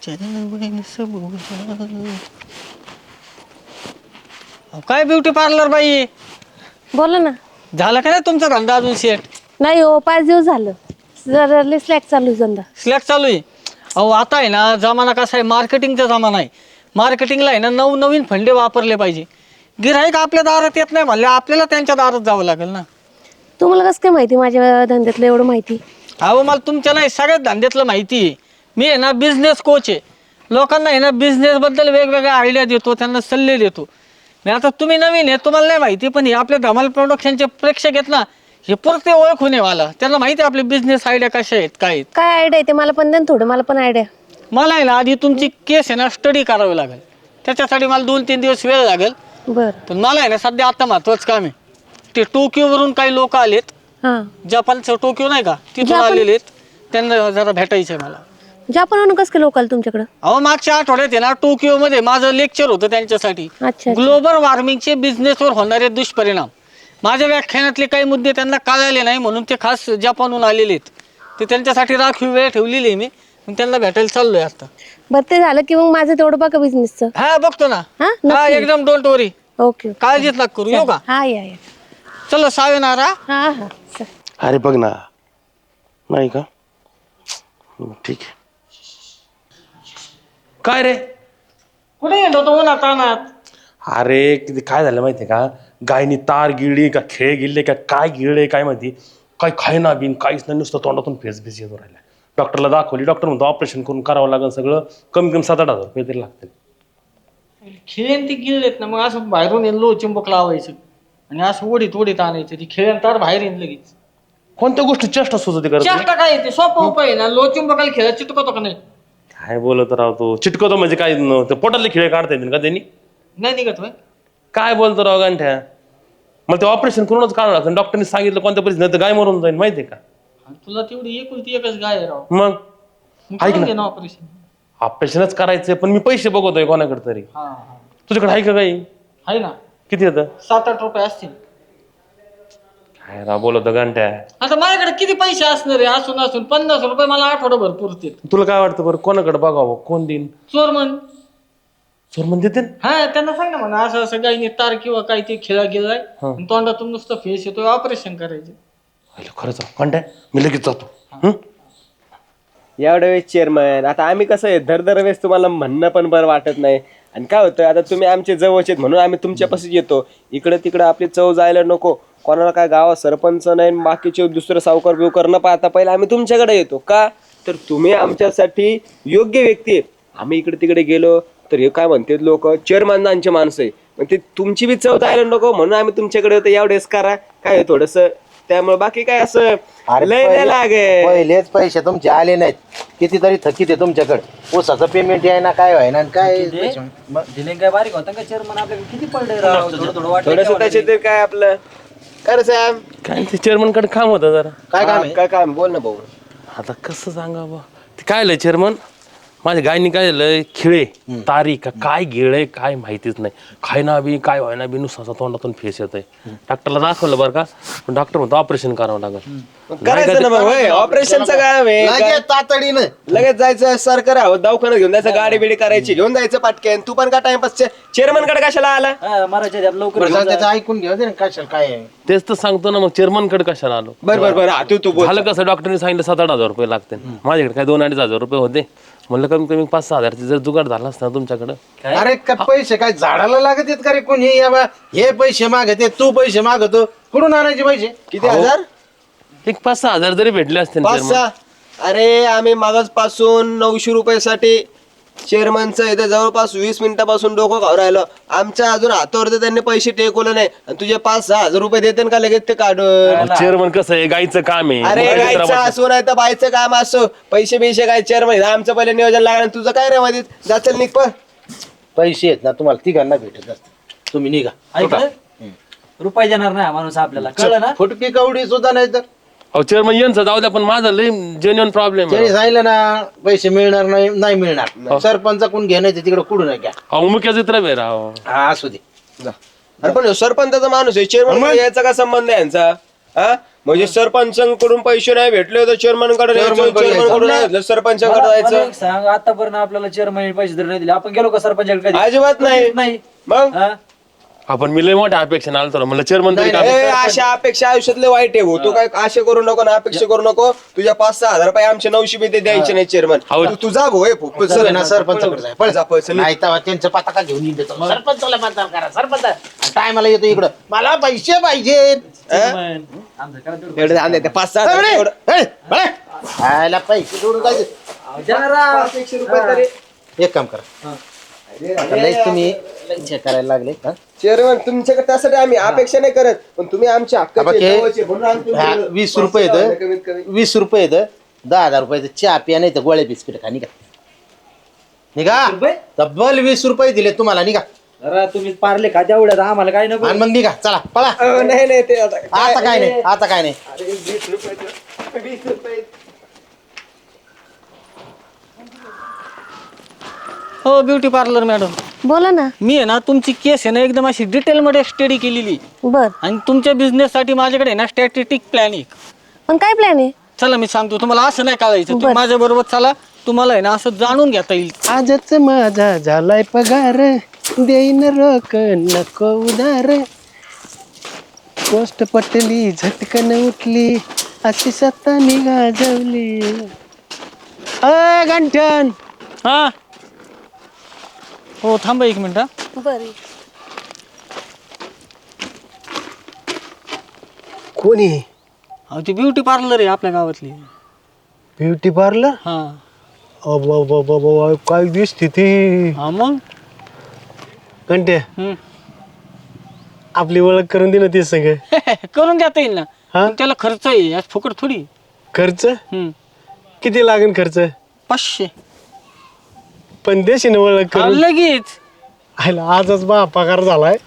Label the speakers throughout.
Speaker 1: काय beauty parlour बाई,
Speaker 2: बोला ना.
Speaker 1: झालं का नाही तुमचा धंदा अजून सेट?
Speaker 2: नाही हो, 5 दिवस झालं. जरा स्लॅक चालू आहे धंदा.
Speaker 1: स्लॅक चालू आहे. अहो आता आहे ना जमाना कसा आहे, मार्केटिंगचा जमाना आहे. मार्केटिंगला आहे ना नवनवीन फंडे वापरले पाहिजे. गिऱ्हाईक आपल्या दारात येत नाही म्हणले आपल्याला त्यांच्या दारात जावं लागेल ना.
Speaker 2: तुम्हाला कसं काय माहिती माझ्या धंद्यातलं एवढं माहिती?
Speaker 1: अहो मला तुमच्या नाही सगळ्याच धंद्यातलं माहिती आहे. मी आहे ना बिझनेस कोच आहे. लोकांना आहे ना बिझनेसबद्दल वेगवेगळ्या आयडिया देतो, त्यांना सल्ले देतो. मी आता तुम्ही नवीन आहे, तुम्हाला नाही माहिती, पण हे आपल्या धमाल प्रोडक्शनचे प्रेक्षक आहेत ना, हे पुरते ओळखून आहे मला. त्यांना माहिती आहे आपले बिझनेस आयडिया कशा आहेत, काय आहेत.
Speaker 2: काय आयडिया आहे ते मला पण द्या ना थोडं, मला पण आयडिया.
Speaker 1: मला आहे ना आधी तुमची केस आहे ना स्टडी करावी लागेल. त्याच्यासाठी मला 2-3 दिवस वेळ लागेल.
Speaker 2: बरं.
Speaker 1: पण मला आहे ना सध्या आता महत्वाचं काम आहे. ते टोकियोवरून काही लोक आलेत,
Speaker 2: हां.
Speaker 1: जपानचं टोकियो नाही का, तिथून
Speaker 2: जपान?
Speaker 1: आलेले आहेत. त्यांना जरा भेटायचं आहे मला.
Speaker 2: जपानहून कसं काय लोक आले तुमच्याकडं?
Speaker 1: अहो मागच्या आठवड्यात आहे ना टोकियोमध्ये माझं लेक्चर होतं त्यांच्यासाठी.
Speaker 2: अच्छा.
Speaker 1: ग्लोबल वॉर्मिंगचे बिझनेसवर होणारे दुष्परिणाम. माझ्या व्याख्यानातले काही मुद्दे त्यांना कळाले नाही म्हणून ते खास जपानहून आलेले आहेत. ते त्यांच्यासाठी राखीव वेळ ठेवलेली आहे मी. त्यांना भेटायला चाललोय आता.
Speaker 2: बरं ते झालं की मग माझं तेवढं बघा बिझनेसचं.
Speaker 1: हा बघतो ना.
Speaker 2: हा,
Speaker 1: हा
Speaker 2: नक्की.
Speaker 1: एकदम डोंट वरी.
Speaker 2: ओके.
Speaker 1: काळजीच नका करू. येऊ का?
Speaker 2: हा या या.
Speaker 1: चलो सावेनारा.
Speaker 2: हा हा.
Speaker 3: अरे बघ ना, नाही का? ठीक आहे. काय रे?
Speaker 1: कुठे येतो तो उन्हात तानात?
Speaker 3: अरे किती काय झालं माहितीये का? गायनी तार गिळली का खेळ गिळले का काय गिळले काय माहिती, काय खायना बिन काहीच नाही, नुसतं तोंडातून फेस येतो राहिला. डॉक्टरला दाखवली, डॉक्टर म्हणतो ऑपरेशन करून करावं लागेल सगळं, कमी कमी 7-8 हजार रुपये तरी लागतील.
Speaker 1: खेळेन ती गिळलेत ना, मग असं बाहेरून येऊन लो चिंबक लावायचं आणि असं ओढीत आणायचं. ती खेळेन तार बाहेर येईन लगेच.
Speaker 3: कोणत्या गोष्टी चेष्टा सुचते करत
Speaker 1: चेष्टा काय येते, सोपं उपाय आहे ना. लो चिंबकाला खेळा चिटकवतो का नाही?
Speaker 3: काय बोलत राहतो, चिटकवतो म्हणजे काय? पोटातले खिळे काढता येतील का त्यांनी?
Speaker 1: नाही निघत होय.
Speaker 3: काय बोलतो राव गांठ्या? मग ते ऑपरेशन करूनच काढावं लागतं. डॉक्टरने सांगितलं कोणत्या परिस्थितीत तर गाय मरून जाईल, माहितीये का?
Speaker 1: आणि तुला तेवढी एकुलती एकच गाय आहे राव.
Speaker 3: मग ऐक ना,
Speaker 1: ऑपरेशन.
Speaker 3: ऑपरेशनच करायचंय पण मी पैसे बघतोय कोणाकडे तरी.
Speaker 1: हा
Speaker 3: तुझ्याकडे आहे का काही?
Speaker 1: आहे ना.
Speaker 3: किती येतं?
Speaker 1: 7-8 रुपये असतील.
Speaker 3: काय राव बोलतो गांठ्या?
Speaker 1: आता माझ्याकडे किती पैसे असणार आहे? असून 50 रुपये मला आठवडाभर पुरतील.
Speaker 3: तुला काय वाटतं बरं, कोणाकडे बघावं? कोण देईन?
Speaker 1: चोरमन.
Speaker 3: चोरमन देते?
Speaker 1: हा त्यांना सांग ना म्हणा असं असं गायने तार किंवा काय ते खेळा गेलाय, तोंडातून नुसतं फेस येतोय, ऑपरेशन करायचं.
Speaker 3: खरंच गांठ्या, मी लगेच जातो.
Speaker 4: एवढ्या वेळेस चेअरमन, आता आम्ही कसं आहे दर वेळेस तुम्हाला म्हणणं पण बरं वाटत नाही. आणि काय होतं, आता तुम्ही आमचे जवळचे आहेत म्हणून आम्ही तुमच्यापाशीच येतो. इकडे तिकडे आपली चव जायला नको. कोणाला काय गावात सरपंच नाही, बाकीचे दुसरं सावकार बिवकार न पाहता पहिले आम्ही तुमच्याकडे येतो. का तर तुम्ही आमच्यासाठी योग्य व्यक्ती आहे. आम्ही इकडे तिकडे गेलो तर हे काय म्हणतात लोक, चेअरमॅनचे माणसं आहे, मग ते तुमची बी चव जायला नको म्हणून आम्ही तुमच्याकडे येतो. एवढेच करा काय थोडस, त्यामुळे बाकी काय असं लय नाही लागे.
Speaker 5: पहिलेच पैसे तुमचे आले नाहीत, कितीतरी थकीत आहे तुमच्याकडे. ऊसाचं पेमेंट आहे ना, काय व्हाय ना काय
Speaker 6: काय बारीक होता का चेअरमन? आपल्याकडे किती पडले राव, थोडं
Speaker 4: थोडस त्याचे ते काय आपलं कर साहेब.
Speaker 3: काय ते चेअरमन कडे काम होतं जरा.
Speaker 5: काय काम आहे?
Speaker 4: काय काम बोल ना भाऊ.
Speaker 3: आता कसं सांगा बा, ते काय झालंय चेअरमन, माझ्या गायनी काय झालंय, खिळे तारी का काय गिळे काय माहितीच नाही. खायना बी काय व्हायना बी, नुसतं तोंडातून फेस येत आहे. डॉक्टरला दाखवलं बरं का, पण डॉक्टर म्हणतो ऑपरेशन करावं लागेल.
Speaker 4: करायचं ना मग, ऑपरेशनचं काम आहे.
Speaker 5: लगेच तातडीनं
Speaker 4: लगेच जायचं सर करा दवाखान्यात घेऊन जायचं, गाडी बिडी करायची घेऊन जायचं पाटक्यान. तू पण का टाइमपास चेअरमन कडे कशाला आला?
Speaker 6: मराठीत लवकर
Speaker 5: बरं, जाऊ त्याचं ऐकून घ्या ना, कशाला काय आहे.
Speaker 3: तेच तर सांगतो ना, मग चेअरमन कडे कशाला आलो?
Speaker 4: बरं तू बोल.
Speaker 3: झालं कसं, डॉक्टरने सांगितलं 7-8 हजार रुपये लागते. माझ्याकडे काय 2-2.5 हजार रुपये होते. म्हणलं कमी कमी 5-6 हजारचे जर जुगाड झाला असता तुमच्याकडे.
Speaker 5: अरे का पैसे काय झाडाला लागत आहेत का रे? कोण हे पैसे मागते, तू पैसे मागतो, कुठून आणायचे पैसे?
Speaker 4: किती हजार?
Speaker 3: एक 5-6 हजार जरी भेटले असते ना
Speaker 4: 5-6?
Speaker 3: chairman.
Speaker 4: अरे आम्ही मागच पासून 900 रुपयासाठी चेअरमनचं इथे जवळपास 20 मिनिटापासून डोकं खाऊ राहिलं. आमच्या अजून हातावरती त्यांनी पैसे टेकवले नाही आणि तुझे 5-6 हजार रुपये देते का लगेच ते काढून?
Speaker 3: चेअरमन कसं आहे, गाईचं काम आहे.
Speaker 4: अरे
Speaker 3: मग
Speaker 4: गायचं
Speaker 3: काहीतरी
Speaker 4: असो नाही तर बायचं काम असो, पैसे बिशे काय चेअरमन आमचं पहिले नियोजन लागलं. तुझं काय रे मध्ये जाचल निघ पण.
Speaker 5: पैसे आहेत ना तुम्हाला तिघांना भेटत असतात, तुम्ही निघा.
Speaker 6: रुपये देणार नाही माणूस आपल्याला, कळलं ना?
Speaker 5: फुटकी कवडी सुद्धा नाही तर
Speaker 3: अहो चेअरमन यांचं जाऊ द्या, पण माझं लय जेन्युइन प्रॉब्लेम
Speaker 5: त्यांनी
Speaker 3: आहे.
Speaker 5: सांगितलं ना पैसे मिळणार नाही मिळणार. सरपंच कोण घेण्याचे तिकडे कुठून घ्या.
Speaker 3: अहो मुख्य चित्र आहे राव.
Speaker 5: हा असू दे.
Speaker 4: अरे पण सरपंचाचा माणूस आहे, चेअरमन याचा काय संबंध आहे यांचा? हा म्हणजे सरपंचांकडून पैसे नाही भेटले तर चेअरमनकडे चेअरमनकडून सरपंचाकडे
Speaker 6: मला
Speaker 4: जायचं.
Speaker 6: एक सांग, आतापर्यंत आपल्याला चेअरमन पैसे तरी नाही दिले, आपण गेलो का सरपंचाकडे कधी?
Speaker 4: अजिबात नाही.
Speaker 6: नाही.
Speaker 4: मग
Speaker 6: हा?
Speaker 3: आपण मी लय मोठ्या अपेक्षा आलो तर म्हणलं चेअरमन तरी काम
Speaker 4: अशा अपेक्षा आयुष्यातले वाईट आहे हो. तू काय आशा करू नको ना अपेक्षा करू नको. तुझ्या 5-6 हजार रुपये आमच्या 900 बी ते द्यायचे नाही चेअरमन. तू जा भाऊ
Speaker 5: चल ना सरपंचाकडे जाय पळ.
Speaker 4: जा पैसे
Speaker 5: नाही तेव्हा त्यांचं पताका घेऊन येतो सरपंचाला मतदान करा सरपंच टायमाला येतो इकडं मला पैसे पाहिजेत.
Speaker 6: चेअरमन, आमचं करा तेवढं.
Speaker 4: एवढे आणले ते 5-6 हजार एवढं.
Speaker 5: खायला पैसे जोडून जायचे.
Speaker 6: अहो, द्या ना.
Speaker 4: 500 रुपये तरी.
Speaker 5: एक काम करा आता लय तुम्ही लय करायला लागले हा?
Speaker 4: चेअरमन तुमच्याकडे त्यासाठी आम्ही अपेक्षा नाही करत पण तुम्ही आमच्या हक्काचे म्हणून आम्ही
Speaker 5: ह्या
Speaker 4: तुमच्याकडे
Speaker 5: 20 रुपये
Speaker 4: कमीत कमी.
Speaker 5: 20 रुपये 10,000 रुपयाचं चहा पिया नाही तर गोळ्या बिस्किट खा निघा निघा
Speaker 6: रुपये?
Speaker 5: तब्बल 20 रुपये दिले तुम्हाला निघा
Speaker 6: जरा तुम्ही पारले का तेवढ्यात, आम्हाला काय नको.
Speaker 5: आणि मग निघा चला पळा.
Speaker 4: नाही नाही ते आता
Speaker 5: आता काय नाही आता काय नाही.
Speaker 4: अरे 20 रुपये 20 रुपये.
Speaker 1: हो ब्युटी पार्लर मॅडम,
Speaker 2: बोला ना.
Speaker 1: मी आहे ना तुमची केस आहे ना एकदम अशी डिटेलमध्ये स्टडी केलेली
Speaker 2: बर,
Speaker 1: आणि तुमच्या बिझनेससाठी माझ्याकडे आहे ना स्टॅटिस्टिक प्लॅन एक.
Speaker 2: पण काय प्लॅन आहे?
Speaker 1: चला मी सांगतो तुम्हाला, असं नाही कळायचं. तुम्ही
Speaker 2: बरं.
Speaker 1: माझ्या बरोबर चला, तुम्हाला आहे ना असं जाणून घेता येईल.
Speaker 5: आजच माझा झालाय पगार देईन रोक नको उधार पोस्ट पटली झटकन उठली अशी सत्ता निघाजवली. अय गंठन
Speaker 1: हा हो थांबा 1 मिनिट.
Speaker 2: बर,
Speaker 5: कोणी
Speaker 1: अहो ती ब्युटी पार्लर आहे आपल्या गावातली.
Speaker 5: ब्युटी पार्लर
Speaker 1: हा
Speaker 5: काय दिसते ती
Speaker 1: हा मग
Speaker 5: घंटे
Speaker 1: हम्म.
Speaker 5: आपली ओळख करून दे ना ते सगळं.
Speaker 1: करून देता येईल ना,
Speaker 5: हा?
Speaker 1: पण त्याला खर्च आहे, आज फुकट थोडी.
Speaker 5: खर्च
Speaker 1: हम्म.
Speaker 5: किती लागेल खर्च
Speaker 1: 500.
Speaker 5: पण देशी ना ओळख
Speaker 1: हा,
Speaker 5: करून.
Speaker 1: लगेच.
Speaker 5: आयला आजच बा पगार झालाय.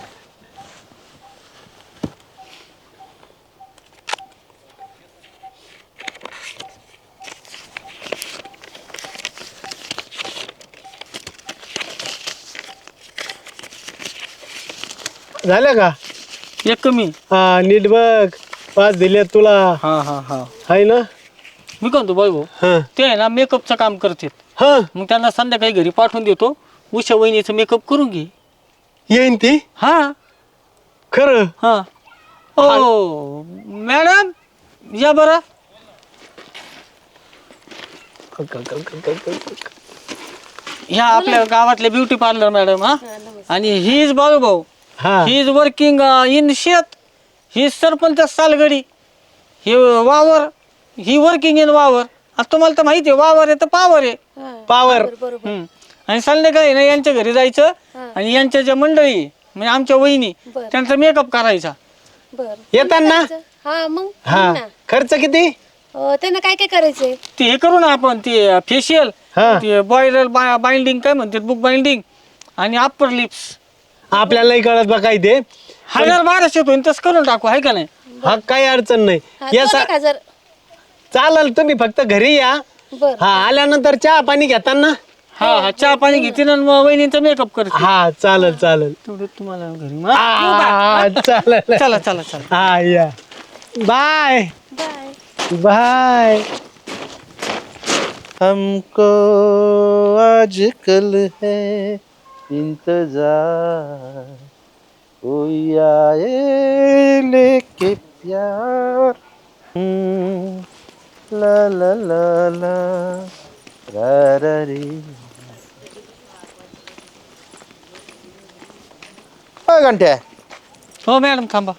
Speaker 5: झालं का?
Speaker 1: एक कमी.
Speaker 5: हा नीट बघ 5 दिले तुला
Speaker 1: हा हा हा
Speaker 5: आहे ना.
Speaker 1: मी म्हणतो भाऊ
Speaker 5: हा
Speaker 1: ते आहे ना मेकअपचं काम करतात,
Speaker 5: हा
Speaker 1: मग त्यांना संध्याकाळी घरी पाठवून देतो. उषा वहिनीचं मेकअप करून घे.
Speaker 5: येईन ती
Speaker 1: हा
Speaker 5: खरं.
Speaker 1: हा ओ मॅडम या बरं. ह्या आपल्या गावातले ब्युटी पार्लर मॅडम. हा आणि ही इज बाळू भाऊ,
Speaker 5: हा
Speaker 1: ही इज वर्किंग इन शेत. ही सरपंच सालगडी. ही वावर, ही वर्किंग इन वावर. आता तुम्हाला तर माहिती आहे वावर आहे तर पावर आहे.
Speaker 5: पावर
Speaker 1: हम्म. आणि संध्याकाळी ना यांच्या घरी जायचं आणि यांच्या ज्या मंडळी म्हणजे आमच्या वहिनी त्यांचा मेकअप करायचा.
Speaker 2: बर.
Speaker 5: येताना
Speaker 2: हा मग
Speaker 5: हा खर्च किती?
Speaker 2: त्यांना काय काय करायचंय?
Speaker 1: ते हे करू ना आपण, ते फेशियल,
Speaker 5: हा
Speaker 1: ते बॉयलर बाइंडिंग काय म्हणतात, बुक बाइंडिंग आणि अप्पर लिप्स.
Speaker 5: आपल्याला नाही कळत बा काय ते.
Speaker 1: 1200 होईल तसं करून टाकू, आहे का नाही?
Speaker 5: हा काही अडचण नाही.
Speaker 2: हा,
Speaker 5: या
Speaker 2: 1,000.
Speaker 5: चालेल तुम्ही फक्त घरी या.
Speaker 2: बर.
Speaker 5: हा आल्यानंतर चहा पाणी घेताना.
Speaker 1: हा हा चहा पाणी घेते ना मग वहिनीचा मेकअप करते.
Speaker 5: हा चालेल चालेल.
Speaker 1: तेवढं तुम्हाला घरी
Speaker 5: हा, चालेल
Speaker 1: चला चला चला.
Speaker 5: हा या बाय
Speaker 2: बाय.
Speaker 5: बाय. हमको आजकल है इंतजार कोई आए लेके प्यार ला ला ला ला रा रा रे. घंट्या
Speaker 1: हो मॅडम थांबा.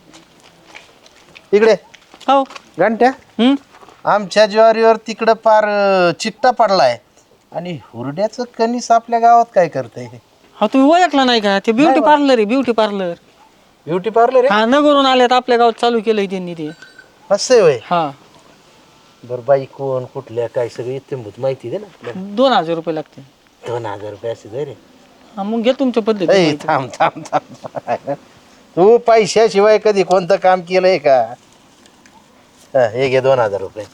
Speaker 5: इकडे
Speaker 1: हो.
Speaker 5: घंट्या
Speaker 1: हम्म.
Speaker 5: आमच्या ज्वारीवर तिकडं पार चिकटा पडलाय आणि हुरड्याचं कणीस आपल्या गावात काय करतंय?
Speaker 1: हा तुम्ही ओळखला नाही का? ते ब्युटी पार्लर आहे, ब्युटी पार्लर.
Speaker 5: ब्युटी पार्लर
Speaker 1: हा नगरून आल्यात आपल्या गावात चालू केलंय त्यांनी ते.
Speaker 5: असं होय.
Speaker 1: हा
Speaker 5: बर बाई कोण कुठल्या काय सगळं येते माहिती दे ना आपल्याला.
Speaker 1: 2000 रुपये लागते.
Speaker 5: 2,000 रुपये असे दे रे.
Speaker 1: हा मग घे तुमच्या
Speaker 5: ऐ,
Speaker 1: पद्धती.
Speaker 5: थांब थांब थांब. तू पैशाशिवाय कधी कोणतं काम केलंय का? हा, हे घे 2,000 रुपये.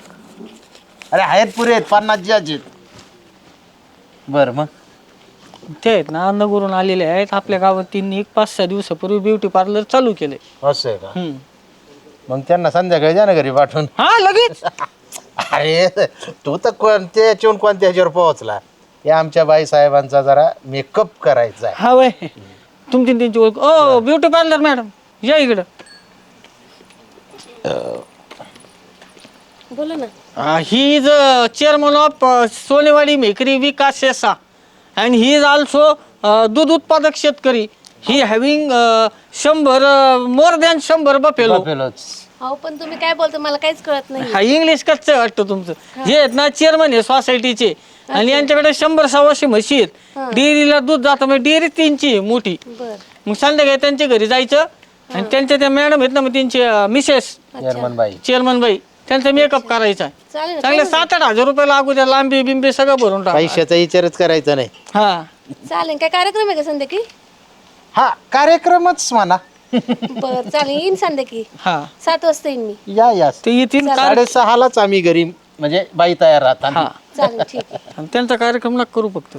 Speaker 5: अरे आहेत पुरे आहेत 50 आहेत. बर मग
Speaker 1: ते आहेत ना नगरून आलेले आहेत आपल्या गावात त्यांनी एक 5-6 दिवसापूर्वी ब्युटी पार्लर चालू केलंय.
Speaker 5: असं आहे का? मग त्यांना संध्याकाळी जा ना घरी पाठवून.
Speaker 1: हा लगेच.
Speaker 5: अरे तू तर कोणत्या याच्याहून कोणत्या ह्याच्यावर पोहोचला. या आमच्या बाई साहेबांचा जरा मेकअप करायचा आहे.
Speaker 1: हा वय तुमची त्यांची ओळख. ओ ब्युटी पार्लर मॅडम या इकडं.
Speaker 2: बोला ना.
Speaker 1: He is chairman of Sonewadi मेकरी विकास शेसा अँड ही इज ऑल्सो दूध उत्पादक शेतकरी. He having 100 more than 100 buffalo.
Speaker 2: अहो पण तुम्ही काय बोलता मला काहीच कळत नाही.
Speaker 1: हा इंग्लिश कच्चं वाटतं तुमचं. हे आहेत ना चेअरमन आहे सोसायटीचे आणि यांच्याकडे 100-125 म्हशी आहेत. डेअरीला दूध जातं म्हणजे डेअरी त्यांची आहे मोठी.
Speaker 2: बर.
Speaker 1: मग संध्याकाळी त्यांच्या घरी जायचं आणि त्यांच्या त्या मॅडम आहेत ना मग त्यांची मिसेस
Speaker 5: चेअरमन बाई.
Speaker 1: चेअरमन बाई त्यांचा मेकअप करायचा.
Speaker 2: चालेल ना,
Speaker 1: चांगले 7-8 हजार रुपये लागू द्या. लांबी बिंबी सगळं भरून टाका.
Speaker 5: पैशाचा विचारच करायचा नाही.
Speaker 1: हा
Speaker 2: चालेल. काय कार्यक्रम आहे का संध्याकाळी?
Speaker 5: हा कार्यक्रमच म्हणा.
Speaker 2: बर चालेल येईन संध्याकाळी
Speaker 1: हा
Speaker 2: 7 वाजता येईन मी.
Speaker 5: या
Speaker 1: ते येतील
Speaker 5: 6:30लाच आम्ही घरी म्हणजे बाई तयार राहतात.
Speaker 1: हा
Speaker 2: चालेल ठीक आहे.
Speaker 1: आणि त्यांचा कार्यक्रम नका करू फक्त.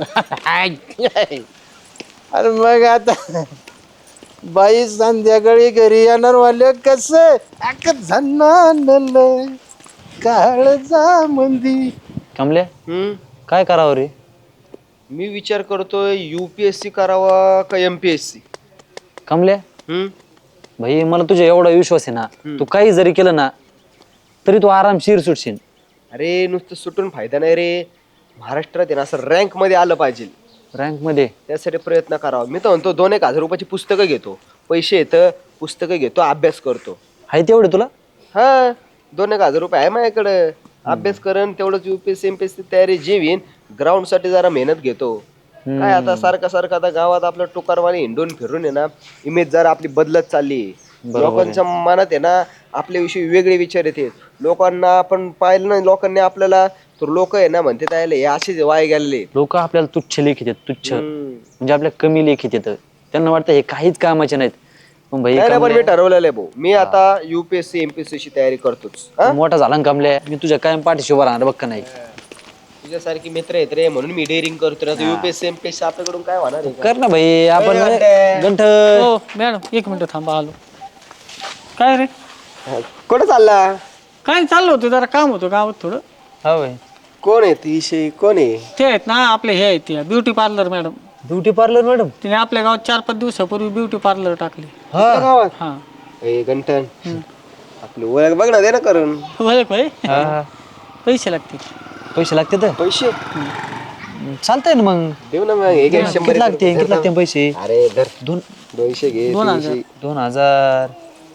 Speaker 5: अरे मग आता बाई संध्याकाळी घरी येणार वाले कसं झन्नानलं काळजा मंदी.
Speaker 6: कमले काय करावं रे?
Speaker 4: मी विचार करतोय UPSC करावा का MPSC.
Speaker 6: कमले भाई मला तुझ्या एवढा विश्वास आहे ना, तू काही जरी केलं ना तरी तू आरामशीर सुटशील.
Speaker 4: अरे नुसतं सुटून फायदा नाही रे. महाराष्ट्रात आहे ना असं रँक मध्ये आलं पाहिजे.
Speaker 6: रँक मध्ये
Speaker 4: त्यासाठी प्रयत्न करावा. मी तर म्हणतो 2-1 हजार रुपयाची पुस्तकं घेतो. पैसे येतं पुस्तकं घेतो अभ्यास करतो.
Speaker 6: आहे तेवढे तुला?
Speaker 4: हा 2-1 हजार रुपये आहे माझ्याकडे. अभ्यास करण तेवढंच UPSC MPSC तयारी जेवीन. ग्राउंड साठी जरा मेहनत घेतो. काय आता सारखं आता गावात आपलं टोकारवाणी हिंडून फिरून आहे ना इमेज जरा आपली बदलत चालली. लोकांच्या मनात आहे ना आपल्याविषयी वेगळे विचार येते. लोकांना आपण पाहिलं ना लोकांनी आपल्याला तर लोक आहे ना म्हणते त्याला हे असेच वाय गेलेले.
Speaker 6: लोक आपल्याला तुच्छ लेखित आहेत, तुच्छ म्हणजे आपल्या कमी लेखित येतं. त्यांना वाटतं हे काहीच कामाचे नाहीत. पण भाई
Speaker 4: पण मी ठरवलेलं आहे भाऊ. मी आता UPSC MPSC ची तयारी करतोच.
Speaker 6: मोठा झाला ना कमल्या, मी तुझ्या कायम पाठीशी उभा राहणार बघ का नाही.
Speaker 4: तुझ्यासारखी मित्र आहेत रे म्हणून मी डेअरिंग करतो ना. UPSC MPSC आपल्याकडून काय होणार आहे का?
Speaker 6: कर ना भाई. आपण गंठ
Speaker 1: हो मॅडम 1 मिनिट थांबा आलो. काय रे
Speaker 4: कुठं चालला?
Speaker 1: काय चाललं होतं जरा काम होतं गावात थोडं.
Speaker 6: हा भाई.
Speaker 4: कोण आहे ती विषयी कोण आहे?
Speaker 1: ते आहेत ना आपले हे आहेत beauty parlour madam.
Speaker 6: Beauty parlour madam?
Speaker 1: तिने आपल्या गावात 4-5 दिवसापूर्वी ब्युटी पार्लर टाकली.
Speaker 4: गावात
Speaker 1: हा
Speaker 4: गंठन आपली ओळख बघ ना दे ना करून.
Speaker 1: ओळख होय. पैसे लागतील.
Speaker 6: पैसे लागते तर
Speaker 4: पैसे
Speaker 6: चालतंय ना मग.
Speaker 4: देऊ ना मग. हे घे 100
Speaker 6: किती लागते किती लागते पैसे?
Speaker 4: अरे धर
Speaker 6: 200
Speaker 4: घे.
Speaker 1: 2000.
Speaker 6: 2000.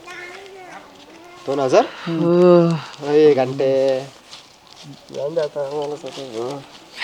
Speaker 4: 2000 अरे घंटे जाऊन दे आता मला स्वतः.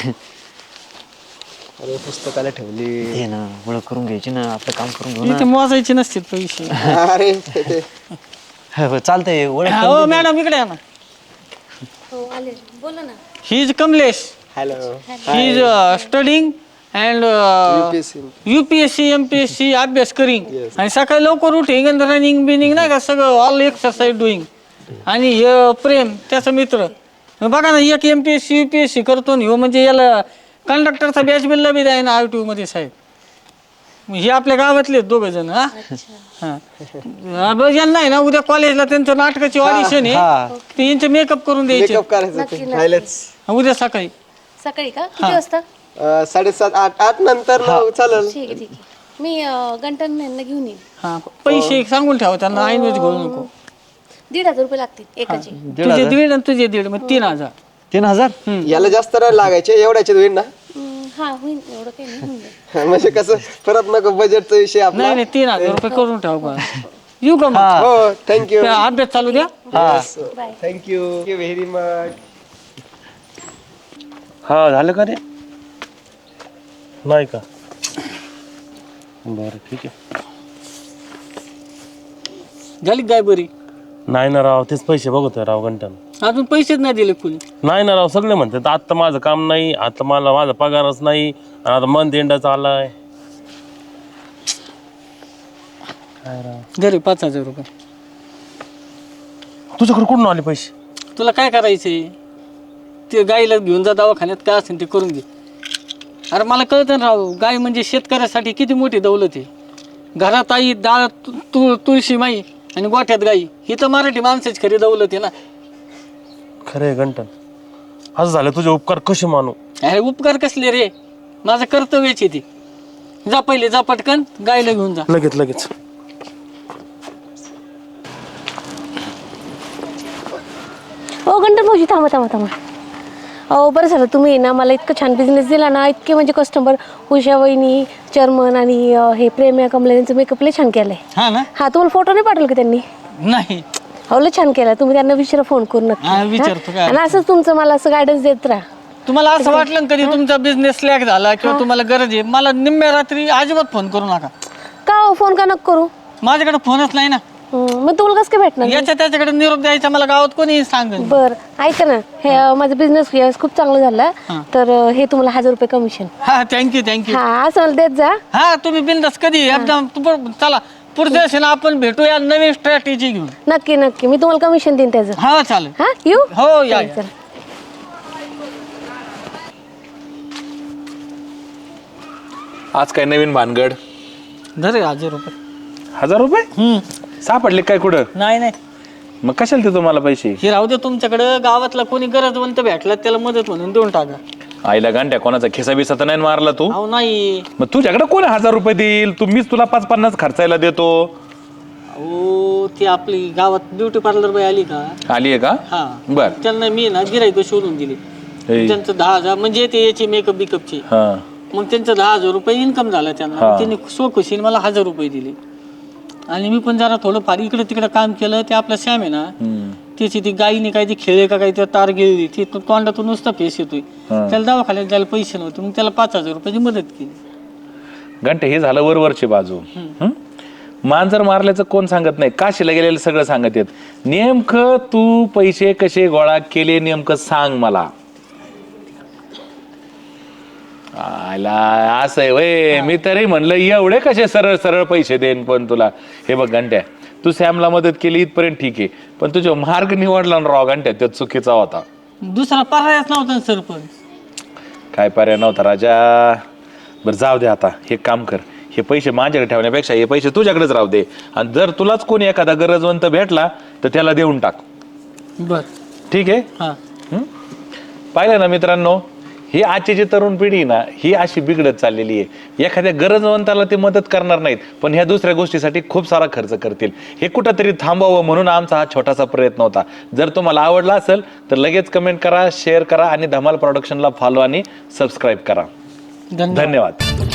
Speaker 4: अरे पुस्तकाला ठेवली.
Speaker 6: हे ना ओळख करून घ्यायची ना, आपलं काम करून घेऊ
Speaker 1: इथे मोजायचे नसतील पैसे.
Speaker 4: अरे
Speaker 6: ना. चालतंय ओळख.
Speaker 1: हो मॅडम इकडे या ना.
Speaker 2: हो आले. बोला ना.
Speaker 1: He is Kamlesh.
Speaker 4: Hello.
Speaker 1: He is studying and UPSC MPSC अभ्यास करिंग. आणि सकाळी लवकर उठिंग आणि रनिंग बिनिंग नाही का सगळं ऑल एक्सरसाइज डुईंग. आणि हे प्रेम त्याचा मित्र. बघा ना एक MPSC UPSC करतो ना ह्यो म्हणजे याला कंडक्टरचा बॅच बिलला बी द्याय ना ITU मध्ये साहेब. हे आपल्या गावातले 2 जण. हा यांना आहे ना उद्या कॉलेजला त्यांचं नाटकाची ऑडिशन आहे. ते यांचे मेकअप करून द्यायचे
Speaker 4: मेकअप करायचं ते. राहिलंच.
Speaker 1: उद्या सकाळी.
Speaker 2: सकाळी का किती वाजता?
Speaker 4: 7:30-8 नंतर चालेल.
Speaker 2: ठीक आहे ठीक आहे. मी गंटन यांना घेऊन येईन.
Speaker 1: हा पैसे सांगून ठेवा त्यांना ऐनवेळेस घेऊ नको.
Speaker 2: 1,500 रुपये लागतील एकाचे.
Speaker 1: तुझे 1,500 आणि तुझे 1,500 मग 3,000.
Speaker 6: 3000?
Speaker 4: याला जास्त नाही लागायचे एवढ्याचे होईल ना.
Speaker 2: हा होईल एवढं काही नाही होऊन जाईल.
Speaker 4: म्हणजे कसं परत नको बजेटचा विषय आपला.
Speaker 1: नाही 3,000 रुपये करून ठेवा बा. येऊ का मग?
Speaker 4: हो थँक्यू.
Speaker 1: त्या अभ्यास चालू द्या.
Speaker 2: बाय.
Speaker 4: Thank you very much.
Speaker 3: हा झालं का रे? नाही का? बरं ठीक आहे.
Speaker 1: झाली काय बरी?
Speaker 3: नाही ना राव, तेच पैसे बघतोय राव घंटन.
Speaker 1: अजून पैसेच नाही दिले कुणी.
Speaker 3: नाही ना राव, सगळे म्हणतात आता माझं काम नाही, आता मला माझा पगारच नाही, आणि आता मंथ एंडच आलाय.
Speaker 1: घरी 5,000 रुपये.
Speaker 3: तुझ्याकडे कुठून आले पैसे?
Speaker 1: तुला काय करायचंय ते गाईला घेऊन जा दवाखान्यात काय असेल ते करून घे. अरे मला कळतं ना राव, गाय म्हणजे शेतकऱ्यासाठी किती मोठी दौलत आहे. घरात आई, डाळ, तुळशी माई आणि गोठ्यात गाई, ही तर मराठी माणसाची खरी दौलत आहे ना.
Speaker 3: खरंय घंटन, असं झालं तुझे उपकार कसे मानू.
Speaker 1: अरे उपकार कसले रे, माझं कर्तव्यच आहे ते. जा पहिले, जा पटकन गायला घेऊन जा.
Speaker 3: लगेच लगेच.
Speaker 2: हो गंटन भाऊजी, थांबा थांबा थांबा. अहो बरं झालं तुम्ही ना मला इतकं छान बिझनेस दिला ना. इतके म्हणजे कस्टमर, उषा वहिनी, चर्मन आणि हे प्रेम्या कमला यांचं मेकअप लय छान केलंय.
Speaker 1: हा ना.
Speaker 2: हा तुम्हाला फोटो नाही पाठवलं का त्यांनी?
Speaker 1: नाही.
Speaker 2: हो लय छान केला. तुम्ही त्यांना विचारा फोन करून नक्की.
Speaker 1: हा, विचारतो काय.
Speaker 2: आणि असंच तुमचं मला असं गायडन्स देत राहा.
Speaker 1: तुम्हाला असं वाटलं ना कधी तुमचा बिझनेस स्लॅक झाला किंवा तुम्हाला गरज आहे, मला निम्म्या रात्री अजिबात फोन करू नका.
Speaker 2: का हो फोन का नको करू?
Speaker 1: माझ्याकडे फोनच नाही ना.
Speaker 2: मग तुम्हाला कसं काय भेटणार?
Speaker 1: याच्या त्याच्याकडे निरोप द्यायचा मला गावात कोणी सांग.
Speaker 2: बर ऐका ना, हे माझा बिझनेस खूप चांगला झाला तर हे तुम्हाला 1000 रुपये कमिशन.
Speaker 1: हा थँक्यू.
Speaker 2: हा असं मला देत जा.
Speaker 1: हा तुम्ही बिंदास कधी एकदम चला पुढच्या वर्षी ना आपण भेटूया नवीन स्ट्रॅटेजी घेऊन.
Speaker 2: नक्की नक्की मी तुम्हाला कमिशन देईन त्याचं.
Speaker 1: हा चालेल.
Speaker 2: हा येऊ.
Speaker 1: हो या.
Speaker 2: चला.
Speaker 7: आज काय नवीन भानगड?
Speaker 1: धरे 1000 रुपये.
Speaker 7: 1000 रुपये सापडले काय कुठं?
Speaker 1: नाही
Speaker 7: मग कशाला देतो मला पैसे?
Speaker 1: हे राहू दे तुमच्याकडे. गावातला कोणी गरजवंत भेटला त्याला मदत म्हणून देऊन टाका.
Speaker 7: आईला गांड्या, कोणाचा खिसा बिसा तर नाही मारला तू?
Speaker 1: अहो नाही.
Speaker 7: मग तुझ्याकडे कोण 1000 रुपये देईल? मीच तुला 5-50 खर्चायला देतो.
Speaker 1: अहो ती आपली गावात ब्युटी पार्लर बाई आली का?
Speaker 7: आली आहे का?
Speaker 1: हा.
Speaker 7: बर.
Speaker 1: त्यांना मी ना गिराईक शोधून दिली.
Speaker 7: हे.
Speaker 1: त्यांचं 10,000 म्हणजे ते याची मेकअप बिकअपची.
Speaker 7: हा.
Speaker 1: मग त्यांचं 10,000 रुपये इन्कम झालं त्यांना.
Speaker 7: हा.
Speaker 1: मग त्यांनी स्वखुशीने मला 1000 रुपये दिले. आणि मी पण जरा थोडं फार इकडे तिकडे काम केलं. ते आपला श्याम आहे ना, त्याची ती गायीने काय ती खेळे का काही तार गेली, ती तोंडातून नुसता फेस येतोय. त्याला दवाखान्यात जायला पैसे नव्हते, मग त्याला 5000 रुपयाची मदत केली.
Speaker 7: घंटे हे झालं वरवरची बाजू. मांजर मारल्याचं कोण सांगत नाही, काशीला गेलेलं सगळं सांगत येत. नेमकं तू पैसे कसे गोळा केले नेमकं सांग मला. आला असं आहे वय. मी तरी म्हणलं एवढे कसे सरळ सरळ पैसे देईन. पण तुला हे बघ घंट्या, तू सॅमला मदत केली इथपर्यंत ठीक आहे, पण तुझा मार्ग निवडला ना राव घंट्या, तो चुकीचा होता.
Speaker 1: दुसरा पर्यायच नव्हता ना सरपंच.
Speaker 7: काय पर्याय नव्हता राजा. बरं जाऊ दे आता, हे काम कर, हे पैसे माझ्याकडे ठेवण्यापेक्षा हे पैसे तुझ्याकडेच राहू दे. आणि जर तुलाच कोणी एखादा गरजवंत भेटला तर त्याला देऊन टाक.
Speaker 1: बर.
Speaker 7: ठीक आहे.
Speaker 1: हा.
Speaker 7: पाहिलं ना मित्रांनो, ही आजची जी तरुण पिढी ना, ही अशी बिघडत चाललेली आहे. एखाद्या गरजवंताला ते मदत करणार नाहीत, पण ह्या दुसऱ्या गोष्टीसाठी खूप सारा खर्च करतील. हे कुठंतरी थांबवावं म्हणून आमचा हा छोटासा प्रयत्न होता. जर तुम्हाला आवडला असेल तर लगेच कमेंट करा, शेअर करा आणि धमाल प्रोडक्शनला फॉलो आणि सबस्क्राईब करा. धन्यवाद.